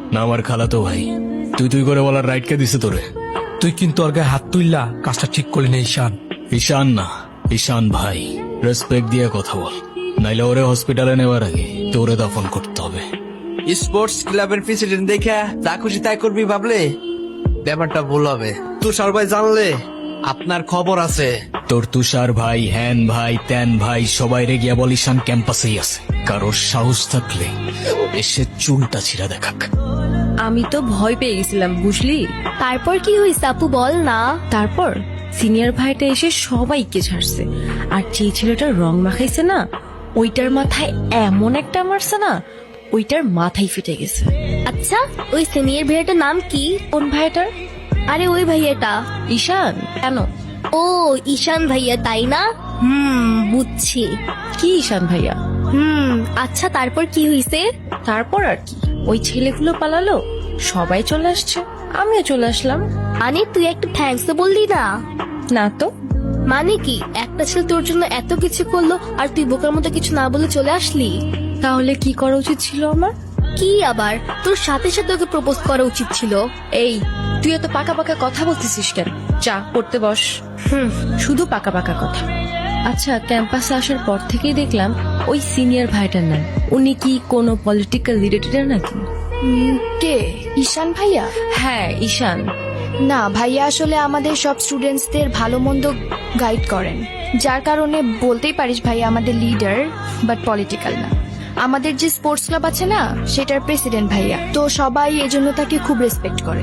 না আমার খালাতো ভাই। তুই তুই করে বলার রাইট কে দিছে তোরে? তুই কিন্তু ওর গায়ে হাত তুললা, কাজটা ঠিক করলি না ঈশান। ঈশান না, ঈশান ভাই। রেসপেক্ট দিয়ে কথা বল, নাইলে ওরে হসপিটালে নেওয়ার আগে তোরে দাফন করতে হবে। স্পোর্টস ক্লাবের প্রেসিডেন্ট দেখে যা খুশি তাই করবি ভাবলে ব্যাপারটা ভুল হবে। তুষার ভাই জানলে আপনার খবর আছে। তোর তুষার ভাই, হ্যান ভাই, ত্যান ভাই সবাই রে গিয়া বল ঈশান ক্যাম্পাসেই আছে। কারোর সাহস থাকলে এসে চুলটা ছিঁড়া দেখাক। আমি তো ভয় পেয়ে গেছিলাম বুঝলি। তারপর কি হয়েছে আপু বল না। তারপর সিনিয়র ভাইটা এসে সবাইকে ছাড়ছে, আর যে ছেলেটা রং মাখাইছে না ওইটার মাথায় এমন একটা মারছে না, ওইটার মাথায় ফেটে গেছে। আচ্ছা ওই সিনিয়র ভাইয়াটার নাম কি? কোন ভাইটার? আরে ওই ভাইয়াটা। ঈশান। কেন? ও ঈশান ভাইয়া তাই না? বুঝছি। কি ঈশান ভাইয়া? আচ্ছা তারপর কি হয়েছে? তারপর আর কি, ওই ছেলেগুলো পালালো, সবাই চলে আসছে, আমিও চলে আসলাম। মানে তুই একটা থ্যাঙ্কস তো বললি না? না তো। মানে কি একটা ছেলে তোর জন্য এত কিছু করলো আর তুই বোকার মতো কিছু না বলে চলে আসলি? তাহলে কি করা উচিত ছিল আমার? কি আবার তোর সাথে সাথে ওকে প্রপোজ করা উচিত ছিল। এই তুই এত পাকা পাকা কথা বলতেছিস কেন? চা পড়তে বস। শুধু পাকা পাকা কথা। আচ্ছা ক্যাম্পাসে আসার পর থেকেই দেখলাম ওই সিনিয়র ভাইটার নাম, উনি কি কোনো পলিটিক্যাল রিলেটেড নাকি? কে? ঈশান ভাইয়া? হ্যাঁ ঈশান। না ভাইয়া আসলে আমাদের সব স্টুডেন্টসদের ভালো মন্দ গাইড করেন, যার কারণে বলতেই পারিস ভাইয়া আমাদের লিডার, বাট পলিটিক্যাল না। আমাদের যে স্পোর্টস ক্লাব আছে না সেটার প্রেসিডেন্ট ভাইয়া, তো সবাই এজন্য তাকে খুব রেসপেক্ট করে।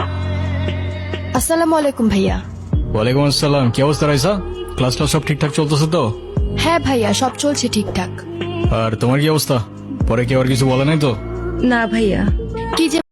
আসসালামু আলাইকুম ভাইয়া। ওয়ালাইকুম আসসালাম। কি অবস্থা রাইসা? ক্লাসটা সব ঠিকঠাক চলতেছে তো? হ্যাঁ ভাইয়া সব চলছে ঠিকঠাক। আর তোমার কি অবস্থা? পরে কি আর কিছু বলে নাই তো? না ভাইয়া। কি যে